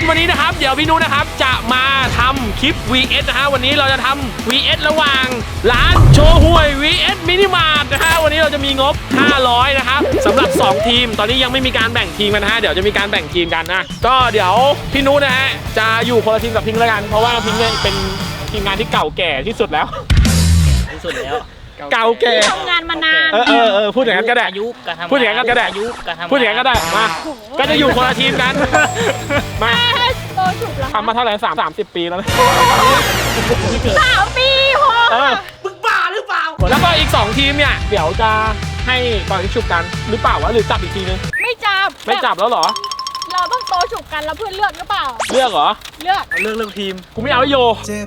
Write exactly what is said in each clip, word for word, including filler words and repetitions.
วันนี้นะครับเดี๋ยวพี่นุนะครับจะมาทำคลิป วี เอส นะฮะวันนี้เราจะทำ วี เอส ระหว่างร้านโชห่วย วี เอส มินิมาร์ทนะฮะวันนี้เราจะมีงบห้าร้อยนะครับสำหรับสองทีมตอนนี้ยังไม่มีการแบ่งทีมกันนะฮะเดี๋ยวจะมีการแบ่งทีมกันนะก็เดี๋ยวพี่นุนะฮะจะอยู่คนละทีมกับพิงค์แล้วกันเพราะว่าพิงค์เนี่ยเป็นทีมงานที่เก่าแก่ที่สุดแล้วที่สุดแล้วเก่าแก่ทำงานมานานเออเออเออพูดอย่างนั้นก็ได้พูดอย่างนั้นก็ได้พูดอย่างนั้นก็ได้มาก็จะอยู่คนละทีมกันมาทำมาเท่าไหร่สามสามสิบปีแล้วสามปีพอมึงบ้าหรือเปล่าแล้วก็อีกสองทีมเนี่ยเดี๋ยวจะให้ปล่อยฉุบกันหรือเปล่าวะหรือจับอีกทีนึงไม่จับไม่จับแล้วเหรอเราต้องโตฉุบกันแล้วเพื่อนเลือกหรือเปล่าเลือกเหรอเลือกเลือกเลือกทีมกูไม่เอาโย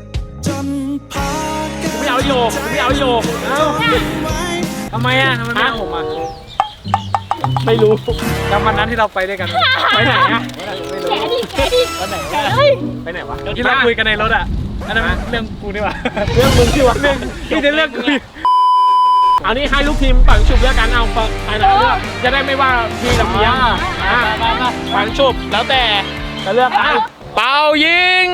กูไม่เอาโยกูไม่เอาโยทำไมอ่ะทำไมไม่เอาผมอ่ะไม่รู้จำวันนั้นที่เราไปด้วยกันไปไหนอ่ะแกดิแกดิไปไหนวะไปไหนวะที่เราคุยกันในรถอ่ะอันนั้นเรื่องกูนี่วะเรื่องมึงที่วะเรื่องที่จะเรื่องกูเอานี่ให้ลูกทีมปั่นฉุบเลือกกันเอาใครนะเลือกจะได้ไม่ว่าพี่กับเมียปั่นฉุบแล้วแต่จะเลือกใครเป่ายิง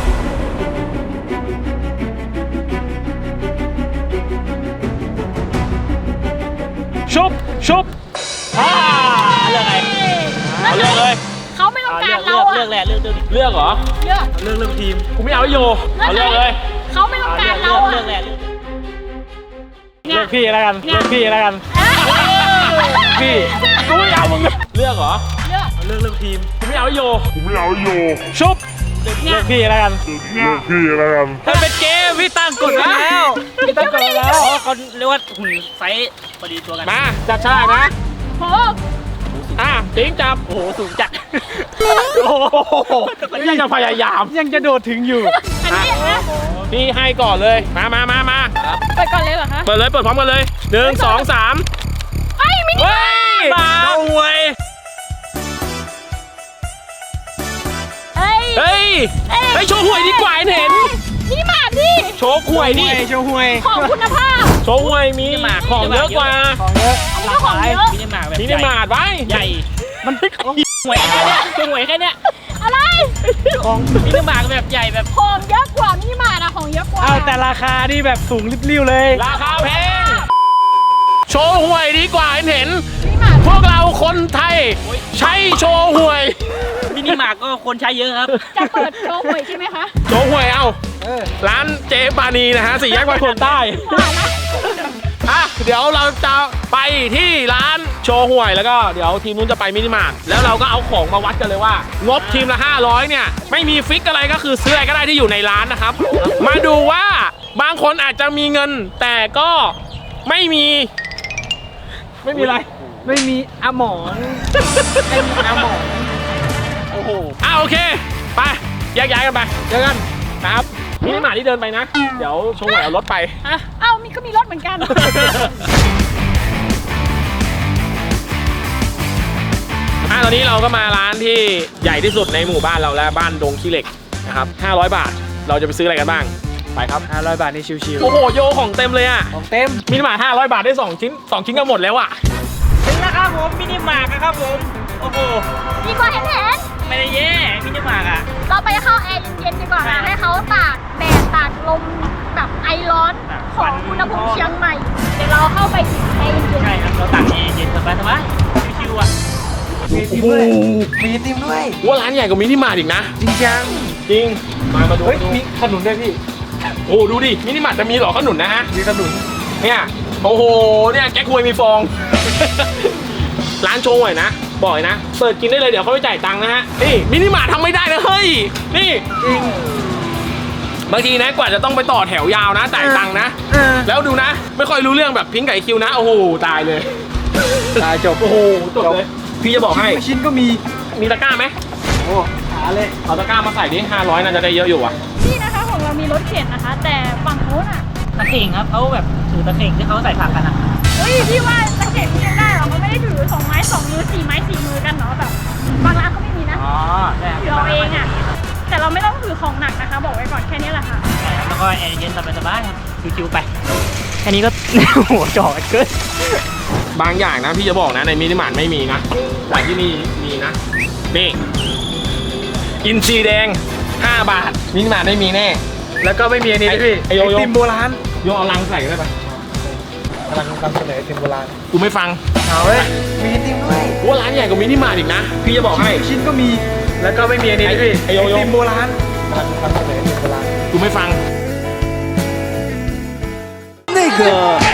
ชุบชุบอ่าเลือกไงเลือกเลยเขาไม่ต้องการเราอะเลือกแหละเลือกเลือกเลือกเหรอเลือกเลือกเลือกทีมกูไม่เอาโยเอาเลือกเลยเขาไม่ต้องการเราอะเลือกแหละเลือกพี่แล้วกันเลือกพี่แล้วกันพี่กูไม่เอามึงเลือกเหรอเลือกเลือกเลือกทีมกูไม่เอาโยกูไม่เอาโยชุบเลือกพี่แล้วกันเลือกพี่แล้วกันถ้าเป็นเกมพี่ตั้งกดแล้วพี่ตั้งกดแล้วเขาเรียกว่าหุ่นไซส์พอดีตัวกันมาจับฉลากนะโอ้อ่ะติ๊งจับโอ้โหสูงจัดโอ้โหยังจะพยายามยังจะโดดถึงอยู่อันนี้นะพี่ให้ก่อนเลยมามามามาเปิดก่อนเลยเหรอคะเปิดเลยเปิดพร้อมกันเลยหนึ่งสองสามไอ้มินิมาเอาหวยเฮ้ยเฮ้ยเฮ้ยโชว์หวยดีกว่าเห็นนี่มาดิโชว์หวยดิโชว์หวยของคุณภาพโชว์หวยมีของเยอะกว่าของเยอะหลากหลายมินิมาร์ทแบบมินิมาร์ทไว้ใหญ่มันไม่ของหวยแค่เนี้ยโชว์หวยแค่เนี้ยอะไรของมินิมาร์ทแบบใหญ่แบบของเยอะกว่ามินิมาร์ทอะของเยอะกว่าเอาแต่ราคาที่แบบสูงริบลิ่วเลยราคาแพงโชว์หวยดีกว่าเห็นพวกเราคนไทยใช้โชว์หวยมินิมาร์ทก็คนใช้เยอะครับจะเปิดโชว์หวยใช่ไหมคะโชว์หวยเอาร้านเจปานีนะฮะสี่แยกบางคนใต้อ่ะเดี๋ยวเราจะไปที่ร้านโชว์หวยแล้วก็เดี๋ยวทีมนู้นจะไปมินิมาร์ทแล้วเราก็เอาของมาวัดกันเลยว่างบทีมละห้าร้อยเนี่ยไม่มีฟิกอะไรก็คือซื้ออะไรก็ได้ที่อยู่ในร้านนะครับมาดูว่าบางคนอาจจะมีเงินแต่ก็ไม่มีไม่มีอะไรไม่มีอาหมอนไม่มีอาหมอนโอ้โหอ่ะโอเคไปแยกย้ายกันไปเจอกันนะครับมินิมาร์ทที่เดินไปนะเดี๋ยวโชว์หวยเอารถไปอ่ะเอ้ามีก็มีรถเหมือนกันอ่ะตอนนี้เราก็มาร้านที่ใหญ่ที่สุดในหมู่บ้านเราแล้วบ้านดงขี้เหล็กนะครับห้าร้อยบาทเราจะไปซื้ออะไรกันบ้างไปครับห้าร้อยบาทนี่ชิวๆโอ้โหโยของเต็มเลยอ่ะของเต็มมินิมาร์ทห้าร้อยบาทได้สองชิ้นสองชิ้นก็หมดแล้วอ่ะถึงแล้วครับผมมินิมาร์ทครับผมโอ้โหดีกว่าเห็นเห็นไม่ได้แย่มินิมาร์ทอ่ะเราไปเข้าแอร์เย็นๆดีกว่านะให้เขาตากแดดตากลมแบบไอร้อนของอุณหภูมิเชียงใหม่เดี๋ยวเราเข้าไปแอร์เย็นๆใช่ครับเราตากแอร์เย็นสบายสบายชิวๆอ่ะมีติมด้วยมีติมด้วยว่าร้านใหญ่กว่ามินิมาร์ทอีกนะจริงจังจริงมามาดูมีขนุนด้วยพี่โอ้ดูดิมินิมาร์ทจะมีหรอขนุนนะฮะมีขนุนเนี่ยโอ้โหเนี่ยแก๊กฮวยมีฟองร้านโชว์หวยนะบ่อยนะเปิดกินได้เลยเดี๋ยวเขาไปจ่ายตังค์นะฮะนี่มินิมาร์ททำไม่ได้นะเฮ้ยนี่จริงบางทีนะกว่าจะต้องไปต่อแถวยาวนะจ่ายตังค์นะแล้วดูนะไม่ค่อยรู้เรื่องแบบพิงไก่คิวนะโอ้โหตายเลยตายจบโอ้โหจบเลยพี่จะบอกให้ชิ้นก็มีมีตะกร้าไหมโอ้หาเลยเอาตะกร้ามาใส่ดิห้าร้อยน่าจะได้เยอะอยู่อ่ะนี่นะคะของเรามีรถเข็นนะคะแต่ฝั่งโน้นอ่ะตะเข่งครับเขาแบบถือตะเข่งที่เขาใส่ผักกันอ่ะเฮ้ยพี่ว่าตะเข็บพี่ยังได้หรอเขาไม่ได้ถือสองไม้สองมือสี่ไม้สี่มือกันเนาะแบบบางร้านก็ไม่มีนะอ๋อถือเราเองอ่ะแต่เราไม่ต้องถือของหนักนะคะบอกไว้ก่อนแค่นี้แหละค่ะใช่ครับแล้วก็แอร์เย็นสบายๆครับชิวๆไปแค่นี้ก็หัวจ่อเกินบางอย่างนะพี่จะบอกนะในมินิมาร์ทไม่มีนะแต่ที่นี่มีนะนี่อินทรีแดงห้าบาทมินิมาร์ทไม่มีแน่แล้วก็ไม่มีอันนี้ด้วยพี่ไอ้โยโย่ไอติมโบราณโยเอาลังใส่ได้ปะกำลังนำเสนอไอติมโบราณกูไม่ฟังเอาเว้ยมีไอติมด้วยว่าร้านใหญ่กว่ามินิมาร์ทอีกนะพี่จะบอกให้ชิ้นก็มีแล้วก็ไม่มีอันนี้ด้วยพี่ไอ้โยโย่ไอติมโบราณกำลังนำเสนอไอติมโบราณกูไม่ฟังนี่คือ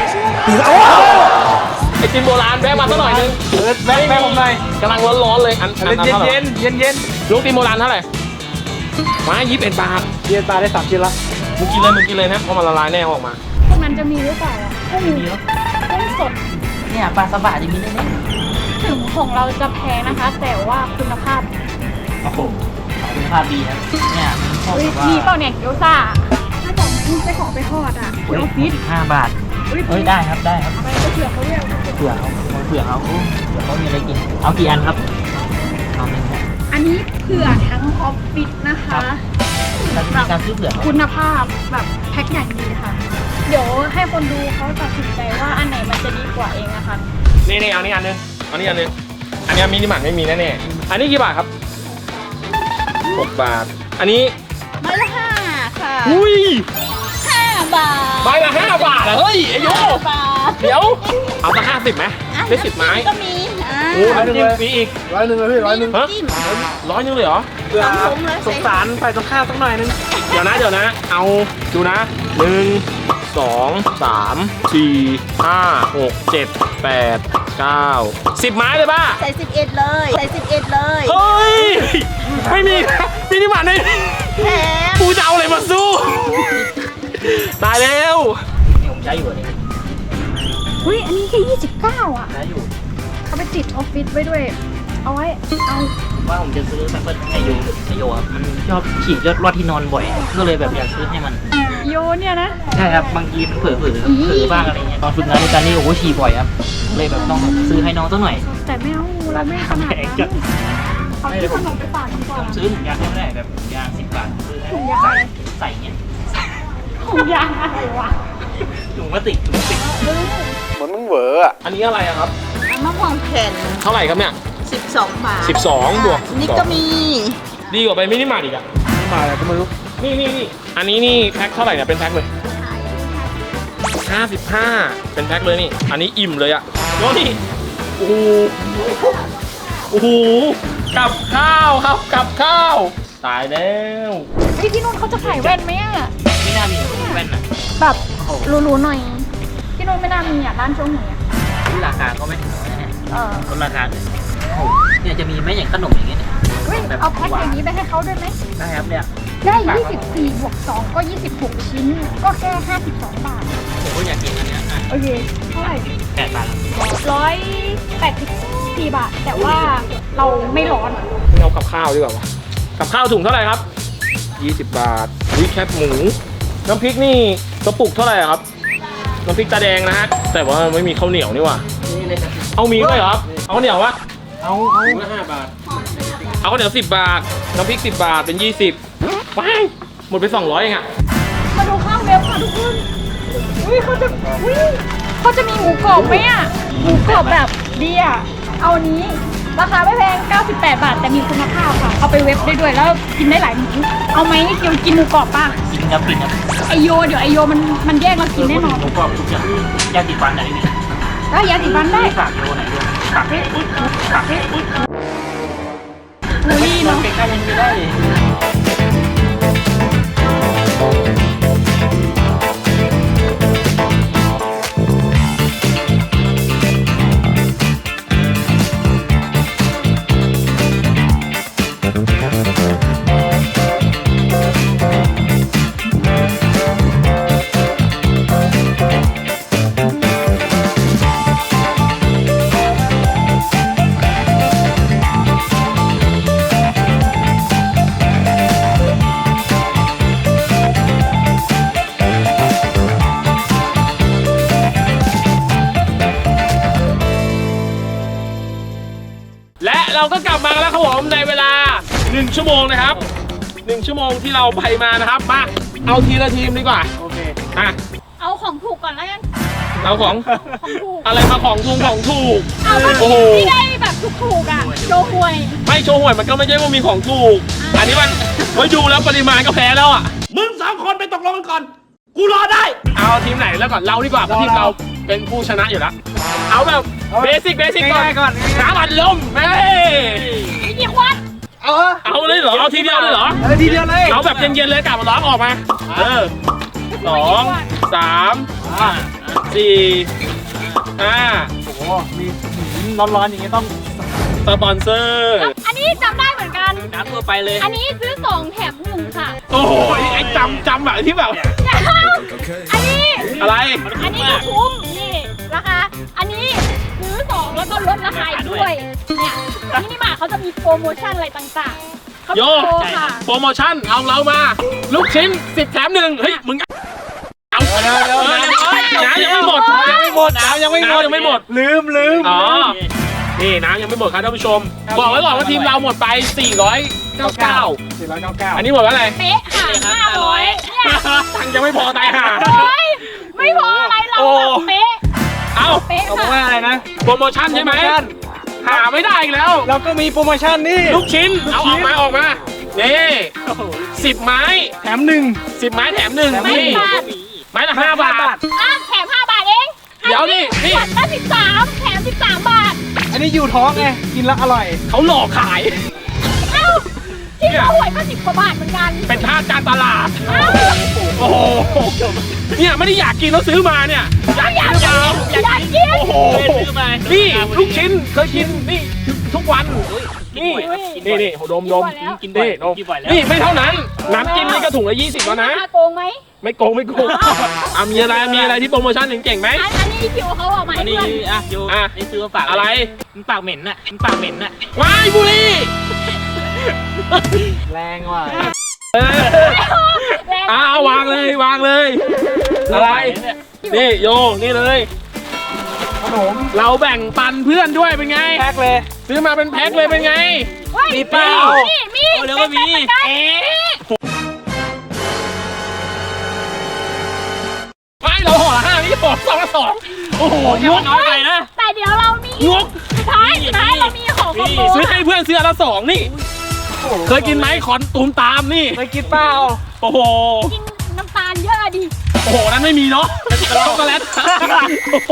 ไอติมโบราณแวะมาสักหน่อยนึงเออแม่แม่ผมหน่อยกำลังร้อนๆเลยอันอันเย็นอันเย็นเย็นเย็นลูกติมโบราณเท่าไหร่มายี่สิบเอ็ดบาทเย็นตาได้สามชิ้นละมึงกินเลยมึงกินเลยนะเพราะมันละลายแน่ออกมาพวกนั้นจะมีหรือเปล่าอ่ะกุ้งกุ้งสดเนี่ยปลาสบะอย่างนี้เลยเนี่ยถึงของเราจะแพงนะคะ แต่ว่าคุณภาพโอ้โหคุณภาพดีนะเนี่ยชอบเฮ้ยแบบว่ามีเปล่าเนี่ยเกี๊ยวซ่าถ้าบอกไม่ใช่ของไปทอดอ่ะเฮ้ยออฟฟิศห้าบาทเฮ้ยเฮ้ยได้ครับได้ครับไปไปเผื่อเขาเรียกเผื่อเขาเผื่อเขาโอ้เผื่อเขามีอะไรกิน เอากี่อันครับเอาหนึ่งครับอันนี้เผื่อทั้งออฟฟิศนะคะแล้วมีการซื้อเผื่อเขาคุณภาพแบบแพ็คอย่างดีค่ะ เดี๋ยวให้คนดูเขาตัดสินใจว่าอันไหนมันจะดีกว่าเองนะคะนี่นี่เอานี่อันนึงเอานี่อันนึงอันนี้มินิมาร์ทไม่มีแน่ๆอันนี้กี่บาทครับหกบาทอันนี้ไม้ละห้าค่ะอุ้ยห้าบาทใบละห้าบาทเหรอเฮ้ยไอโยบาทเดี๋ยวเอาสักห้าสิบไหมได้สิบไม้ก็มีอ่าโอ้ร้อยหนึ่งเลยมีอีกร้อยหนึ่งเลยพี่ร้อยหนึ่งฮะร้อยหนึงเลยเหรอเพื่อสงสารไปตรงข้าวสักหน่อยนึงเดี๋ยวนะเดี๋ยวนะ เอาดูนะหนึ่งสองสามสี่ห้าหกเจ็ดแปดเก้าสิบไม้เลยป่ะใส่สิบเอ็ดเลยใส่สิบเอ็ดเลยเฮ้ยไม่มีมินิมาร์ทเลยแถมกูจะเอาอะไรมาสู้ตายแล้วนี่ผมใช้อยู่อันนี้อุ้ยอันนี้แค่ยี่สิบเก้าอ่ะใช้อยู่เอาไปติดออฟฟิศไว้ด้วย เอาไว้ เอาว่าผมจะซื้อแพมเพิร์สไอโยไอโยครับมันชอบฉีกยอดรอดที่นอนบ่อย ก็เลยแบบอยากซื้อให้มันโยเนี่ยนะใช่ครับบางทีมันเผลอๆครับอีเผลอบ้างอะไรเงี้ยตอนฝึกงานด้วยกันนี่โอ้โหฉี่บ่อยครับเลยแบบต้องซื้อให้น้องสักหน่อยแต่ไม่เอาเราไม่ขนาดนั้นเอาที่ขนมไปฝากดีกว่าผมซื้อถุงยางก็ไม่ได้แบบถุงยางสิบบาทซื้อให้ถุงยางอะไรใส่เงี้ยถุงยางอะไรวะถุงพลาสติกถุงพลาสติกเหมือนมึงเหวออะอันนี้อะไรอะครับมะม่วงแผ่นเท่าไหร่ครับเนี่ยสิบสองบาทสิบสองบวกนี่ก็มีดีกว่าไปมินิมาร์ทอีกอะมาอะไรก็ไม่รู้นี่นี่นี่อันนี้นี่แพ็คเท่าไหร่เนี่ยเป็นแพ็คเลยห้าสิบห้าเป็นแพ็คเลยนี่อันนี้อิ่มเลยอะโน่นนี่โอ้โหโอ้โหกับข้าวครับกับข้าวตายแล้วเฮ้ยที่นู่นเขาจะขายแว่นไหมอ่ะไม่น่ามีแว่นอ่ะแบบหรูๆหน่อย ที่นู่นไม่น่ามีอ่ะร้านโชว์หวยอ่ะที่ราคาก็ไม่ถึงนะเนี่ยเออลดราคาเลยโอ้โหเนี่ยจะมีไหมอย่างขนมอย่างเงี้ยเนี่ยเฮ้ยเอาแพ็คอย่างนี้ไปให้เขาด้วยไหมได้ครับเนี่ยได้ ยี่สิบสี่ บวก สอง ก็ ยี่สิบหก ชิ้น ก็แค่ ห้าสิบสอง บาทผมก็อยากกินอันเนี้ยอ่ะโอเค เท่าไหร่แปดบาทร้อยแปดสิบสี่บาท แต่ว่าเราไม่ร้อนเอากับข้าวดีกว่าวะกับข้าวถุงเท่าไหร่ครับยี่สิบบาทวิแคบหมูน้ำพริกนี่กระปุกเท่าไหร่ครับน้ำพริกตาแดงนะฮะแต่ว่าไม่มีข้าวเหนียวนี่หว่านี่เลยครับเอามีด้วยเหรอครับเอาข้าวเหนียววะเอาเอาถุงละห้าบาทเอาข้าวเหนียวสิบบาทน้ำพริกสิบบาทเป็นยี่สิบว้ายหมดไปสองร้อยเองอะมาดูข้าวเร็วค่ะทุกคนอุ้ยเขาจะอุ้ยเขาจะมีหมูกรอบไหมอ่ะ หมูกรอบแบบดีอ่ะ เอาอันนี้ ราคาไม่แพง เก้าสิบแปด บาท แต่มีคุณภาพค่ะ เอาไปเว็บได้ด้วย แล้วกินได้หลายมื้อเอาไหมเกียวกินหมูกรอบป่ะกินครับกินครับไอโย เดี๋ยวไอโยมันมันแยกเรากินแน่นอนหมูกรอบทุกอย่างยาติดฟันอะไรนี่แล้วยาสีฟันได้ฝากโยไหนโยฝากให้อุ๊ยฝากให้อุ๊ยอุ้ยเนาะใกล้ๆยังไม่ได้เลยและเราก็กลับมาแล้วครับผมในเวลาหนึ่งชั่วโมงนะครับหนึ่งชั่วโมงที่เราไปมานะครับมาเอาทีละทีมดีกว่าโอเคอ่ะเอาของถูกก่อนแล้วกันเอาของของถูกอะไรมาของถูกของถูกเอาเมื่อโอ้กี้โหที่ได้แบบถูกๆอ่ะโชว์หวยไม่โชว์หวยมันก็ไม่ใช่ว่ามีของถูกอ่าอันนี้มันไว้ดูแล้วปริมาณก็แพ้แล้วอ่ะมึงสองคนไปตกลงกันก่อนกูรอได้เอาทีมไหนแล้วก่อนเราดีกว่าเพราะทีมเราเป็นผู้ชนะอยู่แล้วเอาแบบเบสิกเบสิกก่อนน้ำอัดลมเฮ้ยมีกี่ขวดเอาเอาเลยเหรอเอาทีเดียวเลยเหรอเออทีเดียวเลยเอาแบบเย็นๆเลยกลับมาร้องออกมาเออสองสามสี่ห้าโอ้โหมีร้อนๆอย่างงี้ต้องสปอนเซอร์อันนี้จำได้เหมือนกันน้ำทั่วไปเลยอันนี้ซื้อสองแถมหนึ่งค่ะโอ้โหไอ้จำจำแบบที่แบบอันนี้อะไรอันนี้ก็คุ้มนี่ราคา อันนี้ซื้อสองแล้วก็ลดราคาอีกด้วย เนี่ยมินิมาร์ทเขาจะมีโปรโมชั่นอะไรต่างๆเขาโยโปรค่ะโปรโมชั่นเอาเรามา ลูกชิ้นสิบแถมหนึ่งเฮ้ยมึงเอาเร็วเร็วน้ำยังไม่หมดยังไม่หมดน้ำยังไม่หมดน้ำยังไม่หมดลืมลืมอ๋อนี่น้ำยังไม่หมดครับท่านผู้ชมบอกไว้ก่อนว่าทีมเราหมดไปสี่ร้อยเก้าสิบเก้าสี่ร้อยเก้าสิบเก้าอันนี้หมดว่าอะไรเป๊ะค่ะห้าร้อยเนี่ยตังค์ยังไม่พอตายห่าโอ้ยไม่พออะไรเราแบบเป๊ะเอาเป๊ะเอาค่ะว่าอะไรนะโปรโมชั่นใช่ไหมโปรโมชั่นหาไม่ได้อีกแล้วเราก็มีโปรโมชั่นนี่ลูกชิ้นเอาออกมาออกมานี่สิบไม้แถมหนึ่งสิบไม้แถมหนึ่งไม่นี่บาทไม้ละห้าบาทอ่ะแถมห้าบาทเองเดี๋ยวนี่นี่ขวดละสิบสามแถมสิบสามบาทอันนี้อยู่ท้องไงกินแล้วอร่อยเขาหลอกขายเอ้าที่เขาหวยก็สิบกว่าบาทเหมือนกันเป็นท่าการตลาดเอ้าโอ้โหเนี่ยไม่ได้อยากกินแล้วซื้อมาเนี่ยอยากอยากกินกินหรือเปล่าอยากกินโอ้โหซื้อมานี่ลูกชิ้นเคยกินนี่ทุกวันนี่กินบ่อยนี่นี่ดมดมกินบ่อยนี่ดมกินบ่อยแล้วนี่ไม่เท่านั้นน้ำจิ้มนี่ก็ถุงละยี่สิบแล้วนะน่าโกงไหมไม่โกงไม่โกงอ่ะมีอะไรมีอะไรที่โปรโมชั่นเก่งๆไหมอันอันนี้คิวเขาเอามาอัให้นนี้เพื่อนอ่ะโยอ่ะนี่ซื้อมาฝากอะไรมันปากเหม็นน่ะมันปากเหม็นน่ะวายบุรีแรงว่ะเออแรงอ่ะเอาวางเลยวางเลย อะไรนี่โยนี่เลยขนมเราแบ่งปันเพื่อนด้วยเป็นไงแพ็คเลยซื้อมาเป็นแพ็คเลยเป็นไงเฮ้ยมีเปล่ามีมีเอาแล้วก็มีเอ๊ะไม่เราห่อละห้านี่ห่อสองละสองโอ้โหงกน้อยไปนะแต่เดี๋ยวเรามีงกสุดท้ายสุดท้ายเรามีของคอมโบซื้อให้เพื่อนซื้ออันละสองนี่ เคยกินไหมขอนตูมตามนี่ไปกินเปล่าโอ้โหกินน้ำตาลเยอะอะดิโอ้โหนั้นไม่มีเนาะช็อกโกแลตโอ้โห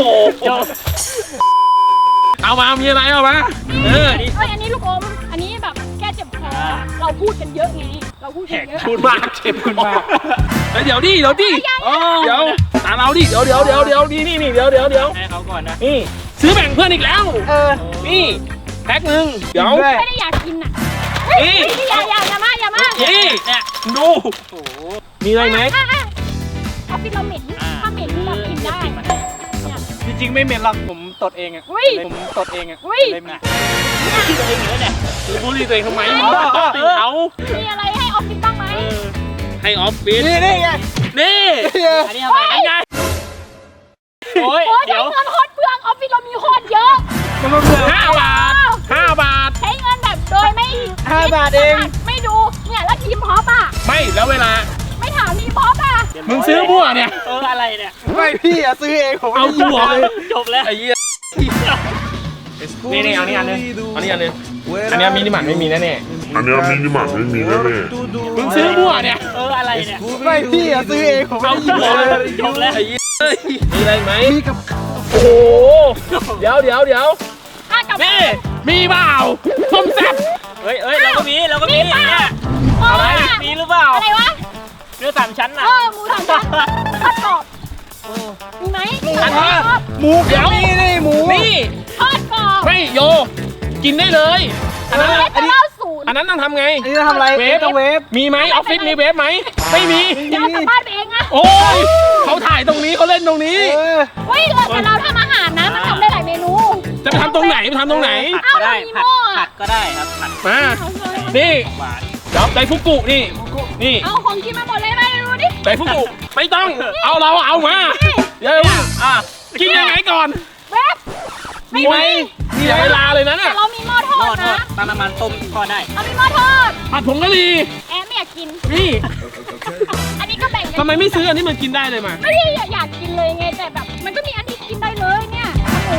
เอามามีอะไรเอามาเออเอ้ยอันนี้ลูกอม อันนี้แบบแก้เจ็บคอ เราพูดกันเยอะไง เราพูดกันเยอะพูดมากเจ็บพูดมากเดี๋ยวดิเดี๋ยวดิเดี๋ยวตามเราดิเดี๋ยวเดี๋ยวเดี๋ยวเดี๋ยวนี่นี่นี่เดี๋ยวเดี๋ยวเดี๋ยวให้เขาก่อนนะนี่ซื้อแบ่งเพื่อนอีกแล้วเออนี่แพ็คหนึ่งเดี๋ยวด้วยไม่ได้อยากกินอ่ะเฮ้ยนี่เฮ้ยอย่าอย่าอย่ามาอย่ามานี่เนี่ยดูโอ้โหมีอะไรไหมอ่ะอ่ะออฟฟิศเราเหม็นอ่าถ้าเหม็นเรากินได้ เนี่ยจริงๆไม่เหม็นหรอกผมตดเองอ่ะอุ้ยผมตดเองอ่ะอุ้ยเลยเหม็นคิดตัวเองเหรอเนี่ยบูลลี่ตัวเองทำไมอ๋อต้องติดเขามีอะไรให้ออฟฟิศบ้างไหมเออให้ออฟฟิศนี่นี่ไงนี่อันนี้ทำไมไอ้ไงโอ้ยโอ้ยเดี๋ใช้ยวเงินโคตรเปลืองออฟฟิศเรามีโคตรเยอะมันมาเบื่อห้าบาทห้าบาทใช้เงินแบบโดยไม่ห้าบาทเองไม่ดู เนี่ยแล้วทีมพอปอ่ะไม่แล้วเวลาไม่ถามทีมพอปอ่ะมึงซื้อมั่วเนี่ยเอออะไรเนี่ยไม่พี่อ่ะซื้อเองผมเอากูเหรอจบแล้วไอ้เหี้ยนี่นี่เอานี่อันนึงเอานี่อันนึงอันนี้มินิมาร์ทไม่มีแน่อันเนี้ยมินิมาร์ทไม่มีแน่ๆมึงซื้อมั่วเนี่ยเอออะไรเนี่ยไม่พี่อ่ะซื้อเองผมเอากูเหรอจบแล้วไอ้เหี้ยเอ้ยมีอะไรไหมมีกับโอ้โหเดี๋ยวเดี๋ยวเดี๋ยวอ่ะกับนี่มีเปล่าส้มแซ่บเฮ้ยเฮ้ยเราก็มีเราก็มีมีเปล่าเนี่ยอะไรมีหรือเปล่าอะไรวะเนื้อสามชั้นเอน่ะอหมูสามชั้นทอดกรอบมีไหมอันนี้ทอดหมูเดี๋ยวนี่นี่หมูนี่ทอดกรอบไม่โย กินได้เลยอันนั้นเอสเก้าศูนย์อันนั้นต้องทำไงอันนี้จะทำอะไรเวฟต้องเวฟมีไหมออฟฟิศมีเวฟไหมไม่มีเดี๋ยวกลับบ้านไปเองนะโอ้ยเขาถ่ายตรงนี้เขาเล่นตรงนี้เออเฮ้ยเราแต่เราทำอาหารนะมันทำได้หลายเมนูจะไปทำตรงไหนไปทำตรงไหนผัดก็ได้เอ้าผัดเรามีหม้อผัดก็ได้ครับผัดมาเอาเลยนี่หวานเดี๋ยวไดฟุกุนี่นี่เอาของกินมาหมดเลยไหมดูดิไดฟุกุไม่ต้องเอาเราเอามาเดี๋ยวอ่ะกินยังไงก่อนเวฟมีไหมเสียเวลาเลยนะแต่น่ะเรามีหม้อทหม้ออดทอนะดตั้งน้ำมันต้มก็ได้เรามีหม้อทอดผัดผงกะหรี่แอมไม่อยากกินนี่อันนี้ก็แบ่งกันทำไมไม่ซื้ออันนี้มันกินได้เลยมาไม่ได้อยากกินเลยไงแต่แบบ มันก็มีอันที่กินได้เลยเนี่ยขนมมากสำ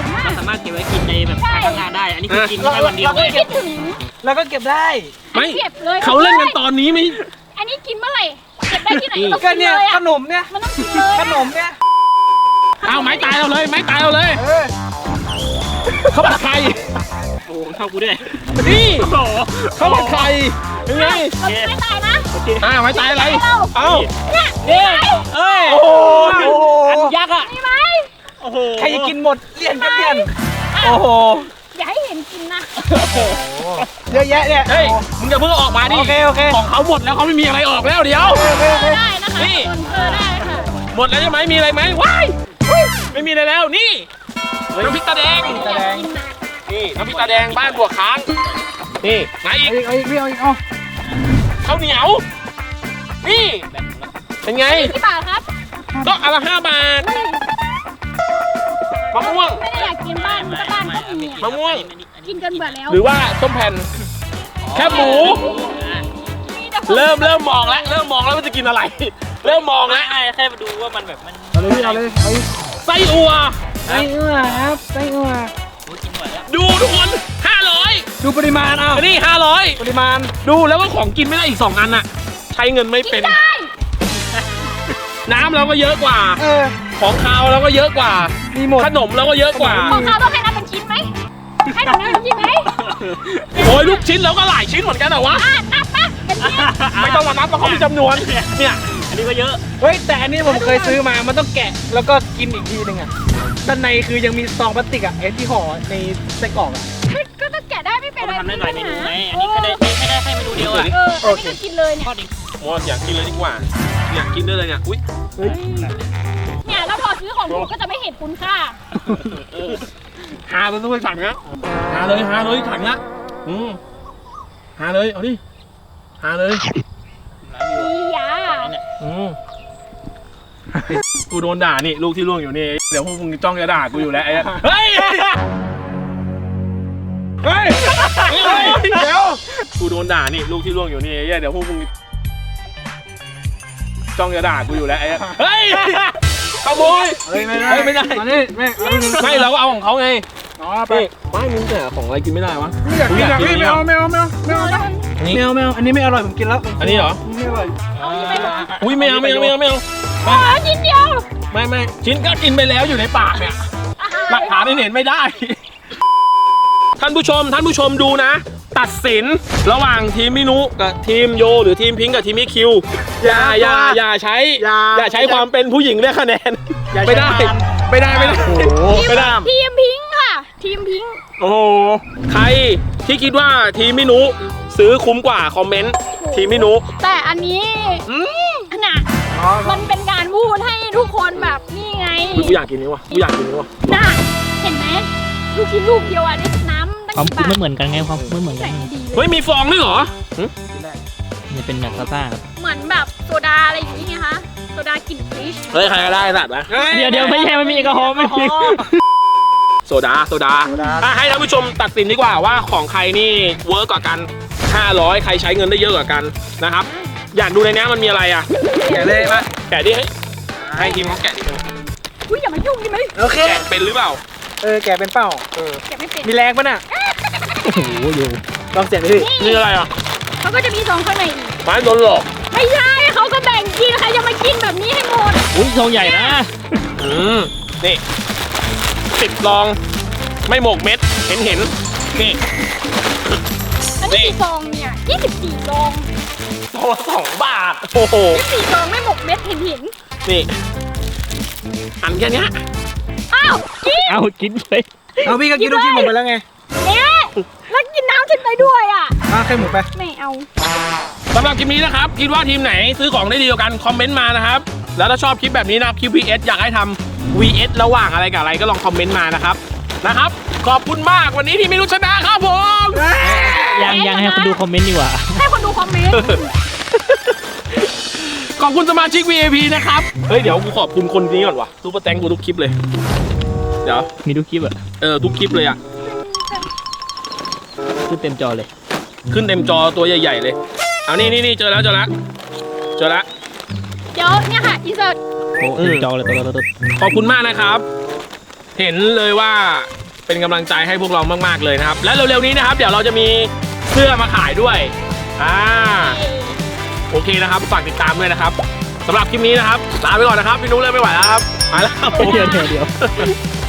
ามารถเก็บไว้กินในแบบการทำงานได้ อันนี้คือกินแค่วันเดียวไม่คิดถึงแล้วก็เก็บได้ไม่เก็บเลยเขาเล่นกันตอนนี้ไหมอันนี้กินเมื่อไหร่เก็บได้ที่ไหนต้องก็กินเนี่ยเลยขอ่ะนมเนี่ยมันต้องกินเลยขนมเนี่ยเอาไม้ตายเอาเลยไม้ตายเอาเลยเออเขาผัดไข่โอ้โหเท่ากูด้วยนี่โอ้โหเขาผัดไข่ยังไงเราไม่ตายนะอ่าไม้ตายอะไร เอ้าเนี่ยเอ้ยเอ้ยโอ้โหอันยักษ์อ่ะมีไหมโอ้โหใครจะกินหมดเลี่ยนก็เลี่ยน โอ้โหอย่าให้เห็นกินนะเยอะแยะเนี่ยเฮ้ยมึงจะเพิ่งออกมาดิโอเคโอเคของเขาหมดแล้วเขาไม่มีอะไรออกแล้วเดี๋ยวโอเคโอเคได้นะคะนี่คนเออได้ค่ะหมดแล้วใช่ไหมมีอะไรไหมว้ายไม่มีอะไรแล้วนี่น้ำพริกตาแดงตาแดงนี่น้ำพริกตาแดงบ้านบัวค้างนี่ไหนอีกเอาอีกเอาอีกพี่เอาอีกเอาข้าวเหนียวนี่เป็นไงกี่บาทครับก็อันละห้าบาทมะม่วงไม่ได้อยากกินบ้านก็บ้านก็มีมะม่วงกินจนเบื่อแล้วหรือว่าส้มแผ่นแคบหมูมีแต่คนเริ่มเริ่มมองแล้วเริ่มมองแล้วว่าจะกินอะไร เริ่มมองแล้วแค่แค่มาดูว่ามันแบบมันเอาเลยพี่เอาเลยเอาอีกไส้อัวไส้อั่วครับไส้อั่วโอ้ยกินหมดแล้วดูทุกคนห้าร้อยดูปริมาณเอานี่ห้าร้อยปริมาณดูแล้วว่าของกินไม่ได้อีกสองอันน่ะ ใช้เงินไม่เป็นได้น้ำเราก็เยอะกว่าเออของคาวเราก็เยอะกว่ามีหมดขนมเราก็เยอะกว่าของเขาต้องให้นับเป็นชิ้นไหมให้หนูนับเป็นชิ้นไหมโอ้ยลูกชิ้นเราก็หลายชิ้นเหมือนกันเหรอวะอ่ะนับปะเป็นชิ้นไม่ต้องมานับเพราะเขามีจำนวน เนี่ยอันนี้ก็เยอะเฮ้ยแต่อันนี้ผมเคยซื้อมา มันต้องแกะแล้วก็กินอีกทีหนึงอ่ะ ด้านในคือยังมีซองพลาสติกอ่ะไอ้ที่ห่อในไส้กรอกอ่ะก็ต้องแกะได้ไม่เป็นเพราะไรมันทำได้หลายเมนูไง อันนี้แค่ได้แค่ได้แค่เมนูเดียวอ่ะเอออันนี้ก็กินเลยเนี่ยทอดดิมอสอยากกินเลยดีกว่า อยากกินได้เลยเนี่ย อุ้ยเนี่ยแล้วพอซื้อของถูกก็จะไม่เห็นคุณค่าหาเลยต้องสั่งนะหาเลยหาเลยสั่งละอืมหาเลย เอาดิ หาเลยอีหยาอืมกูโดนด่านี่ลูกที่ล่วงอยู่นี่ เดี๋ยวพวกมึงจ้องจะด่ากูอยู่แล้วไอ้เฮ้ย เฮ้ย เฮ้ย เดี๋ยว กูโดนด่านี่ลูกที่ล่วงอยู่นี่เดี๋ยวพวกมึงจ้องจะด่ากูอยู่แล้วไอ้เฮ้ย ขโมยเฮ้ยไม่ได้เฮ้ยไม่ได้อันนี้ไม่เอาไม่ไม่เราก็เอาของเขาไงอ๋อไปนี่ไม่มึงแต่ของอะไรกินไม่ได้วะไม่อยากกินอ่ะพี่ไม่เอาไม่เอาไม่เอาไม่เอาไม่เอานี่ไม่เอาไม่เอาอันนี้ไม่อร่อยผมกินแล้วอันนี้เหรอไม่อร่อยเอาที่ไปหมดอุ้ยไม่เอาไม่เอาไม่เอาไม่เอาอ๋อชิ้นเดียวไม่ไม่ชิ้นก็กินไปแล้วอยู่ในปากเนี่ย หลักฐานเห็นไม่ได้ ท่านผู้ชมท่านผู้ชมดูนะ ตัดสินระหว่างทีมมินุกับทีมโยหรือทีมพิงค์กับทีมมิคิวอย่าอย่าอย่าใช้อย่าใช้ความเป็นผู้หญิงได้คะแนนไม่ได้ไม่ได้ไม่ได้โอ้โหไม่ได้ทีมพิงค์ค่ะ ทีมพิงค์โอ้โหใครที่คิดว่าทีมมินุซื้อคุ้มกว่าคอมเมนต์ทีมมินุแต่อันนี้อืมน่ะมันเป็นการพูดให้ทุกคนแบบนี่ไงกูอยากกินนี่วะกูอยากกินนี่วะน่ะเห็นไหมลูกชิ้นลูกเดียวอ่ะได้น้ำตั้งความกี่บาทไม่เหมือนกันไงความไม่เหมือนกัใส่นดีเลเฮ้ยยมีฟองด้วยเหรอมันเป็นแบบซ่าๆครับเหมือนแบบโซดาอะไรอย่างนี้ไงคะโซดากลิ่นฟิชเฮ้ยใครก็ได้สัตว์นะเดี๋ยวเดี๋ยวไม่ใช่ไม่มีแอลกอฮอล์ไม่มีโซดาโซดาอ่ะให้ท่านผู้ชมตัดสินดีกว่าว่าของใครนี่เวิร์กกว่ากันห้าร้อยใครใช้เงินได้เยอะกว่ากันนะครับ อยากดูในนี้มันมีอะไรอ่ะแกะเลยมาแกะดิให้ให้ทีมเขาแกะดิอุ้ยอย่ามายุ่งดิไหมโอเคแกะเป็นหรือเปล่าเออแกะเป็นเป้าเออแกะไม่เป็นมีแรงปะน่ะโอ้โหอยู่ลองเสียงดิพี่นี่อะไรอ่ะเขาก็จะมีซองข้างในอีกไม้โดนหลอกไม่ใช่เขาก็แบ่งกินใครจะมากินแบบนี้ให้หมดอุ้ยทองใหญ่นะอืมนี่สิบลองไม่หมกเม็ดเห็นเห็นนี่อันนี้กี่ซองเนี่ยยี่สิบสี่ซองตัวสองบาทโอ้โหยี่สิบสี่ซองไม่หมกเม็ดเห็นเห็นนี่อันแค่เนี้ยอ้าวกินเอากินเลยเอาพี่ก็กินลูกชิ้นผมไปแล้วไงเอ๊ะแล้วกินน้ำฉันไปด้วยอ่ะอ่ะแค่หมูไปไม่เอาสำหรับคลิปนี้นะครับ คิดว่าทีมไหนซื้อของได้ดีกว่ากัน คอมเมนต์มานะครับ แล้วถ้าชอบคลิปแบบนี้นะคลิป วี เอส อยากให้ทำ วี เอส ระหว่างอะไรกับอะไรก็ลองคอมเมนต์มานะครับนะครับ ขอบคุณมากวันนี้ที่ไม่รู้ชนะครับผมยังยังให้คนดูคอมเมนต์ดีกว่าให้คนดูคอมเมนต์ขอบคุณสมาชิก วี ไอ พี นะครับ เฮ้ยเดี๋ยวกูขอบคุณคนนี้ก่อนวะซูเปอร์แตงกูทุกคลิปเลย เดี๋ยวมีทุกคลิปอะเออทุกคลิปเลยอะขึ้นเต็มจอเลยขึ้นเต็มจอตัวใหญ่ๆเลย เอานี่นี่นี่เจอแล้วเจอแล้วเจอแล้วเดี๋ยวเนี่ยค่ะอินเสิร์ตโอ้เต็มจอเลยตัวตัวตัวขอบคุณมากนะครับ เห็นเลยว่าเป็นกำลังใจให้พวกเรามากๆเลยนะครับ และเร็วๆนี้นะครับ เดี๋ยวเราจะมีเสื้อมาขายด้วยอ่าโอเคนะครับฝากติดตามด้วยนะครับสำหรับคลิปนี้นะครับลาไปก่อนนะครับพี่นุ้ยเริ่มไม่ไหวแล้วครับไปแล้วครับเดี๋ยวเดี๋ยว